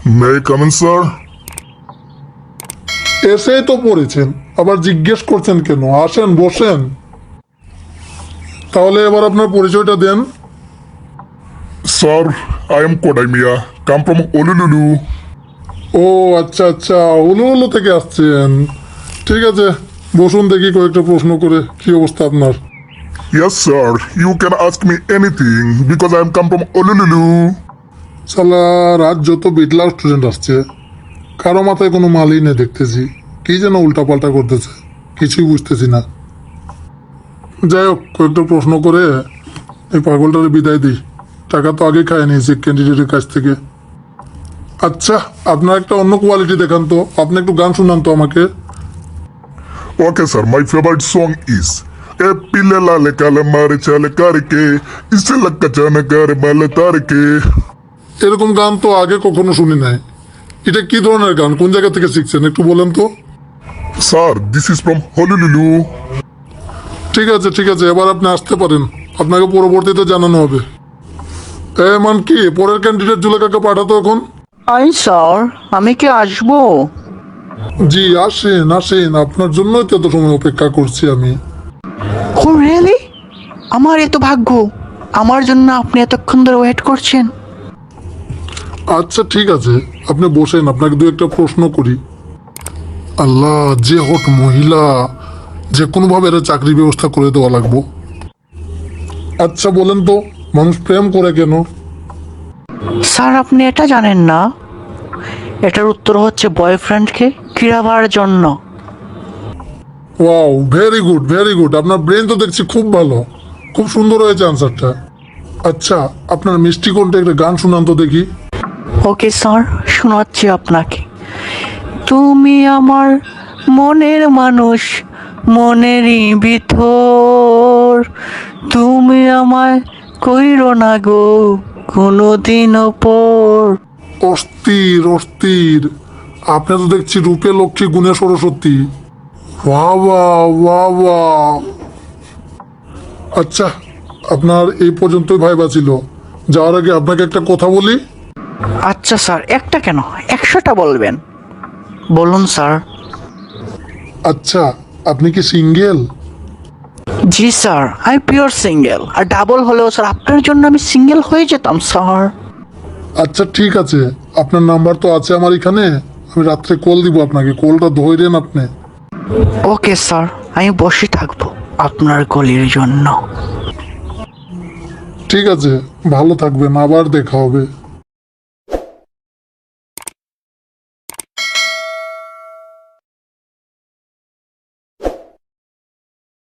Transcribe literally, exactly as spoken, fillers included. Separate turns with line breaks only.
May I come in sir?
এসেই তো পড়েছেন, আবার জিজ্ঞেস করছেন কেন? আসেন, বসেন। তাহলে এবার আপনার পরিচয়টা দেন।
Sir, I am Kodai Mia, come from ওলুলুলু।
ও আচ্ছা আচ্ছা, উলুলু থেকে আসছেন। ঠিক আছে, বসুন দেখি কয়েকটা প্রশ্ন করে। কি অবস্থা আপনার?
Yes, sir. You can ask me anything because I am come from Honolulu.
সালা রাত যত বিটলা স্টুডেন্ট আসছে, কারো মাথায় কোনো মালই নেই দেখতেছি। কি যেন উল্টাপাল্টা করতেছে, কিছুই বুঝতেছি না। যাই হোক, কয়েকটা প্রশ্ন করে এই পাগলটারে বিদায় দিই। টাকা তো আগে খায় নিয়েছি ক্যান্ডিডেটের কাছ থেকে। আচ্ছা, আপনার একটা অন্য কোয়ালিটি দেখান তো। আপনি একটু গান শুনান তো আমাকে।
Okay, sir. My favorite song is ए पिले लाले काले मारे चाले करके इससे लक्का जाने करे माले तारके।
এরকম গান তো আগে কখনো শুনি নাই। এটা কি ধরনের গান? কোন জায়গা থেকে শিখছেন একটু বলেন তো।
Sir, this is from Honolulu.
ঠিক আছে ঠিক আছে, এবার আপনি আসতে পারেন। আপনাকে পরবর্তীতে জানানো হবে। এ মান কি, পরের ক্যান্ডিডেট জুলেখাকে পাঠাতো এখন।
আই স্যার, আমি কি আসবো?
জি আসেন আসেন, আপনার জন্যই তো এত সময় অপেক্ষা করছি আমি।
Oh really? আমার এত ভাগ্য, আমার জন্য আপনি এতক্ষণ ধরে ওয়েট করছেন।
আচ্ছা ঠিক আছে, আপনি বসেন, আপনাকে দু একটা প্রশ্ন করি। আল্লাহ, যে হট মহিলা, যে কোনোভাবে এর চাকরি ব্যবস্থা করে দেওয়া লাগবো। আচ্ছা বলেন তো, মানুষ প্রেম করে কেন?
স্যার, আপনি এটা জানেন না? এটার উত্তর হচ্ছে বয়ফ্রেন্ডকে ক্রীড়াবার জন্য।
Wow, very good very good, আপনার ব্রেন তো দেখছি খুব ভালো। খুব সুন্দর হয়েছে আনসারটা। আচ্ছা, আপনার মিষ্টি কোনটা, একটা গান শুনান তো দেখি।
ওকে স্যার, শোনাচ্ছি আপনাকে। তুমি আমার মনের মানুষ, মনেরই ভিতর, তুমি আমায় কইরো না গো কোনোদিনও পর।
অস্থির অস্থির, আপনি তো দেখছি রূপে লক্ষ্মী গুণে সরস্বতী। বাহ বাহ বাহ বাহ। আচ্ছা, আপনার এই পর্যন্তই ভাইবা ছিল। যাওয়ার আগে আপনাকে একটা কথা বলি।
আচ্ছা স্যার, একটা কেন, একশোটা বলবেন। বলুন স্যার।
আচ্ছা, আপনি কি সিঙ্গেল?
জি স্যার, আই পিওর সিঙ্গেল। আর ডাবল হলেও স্যার আপনার জন্য আমি সিঙ্গেল হয়ে যেতাম স্যার।
আচ্ছা ঠিক আছে, আপনার নাম্বার তো আছে আমার এখানে। আমি রাত্রে কল দিব আপনাকে, কলটা ধরেন আপনি।
ওকে স্যার, আমি বসে থাকবো আপনার গলির জন্য।
ঠিক আছে, ভালো থাকবেন, আবার দেখা হবে।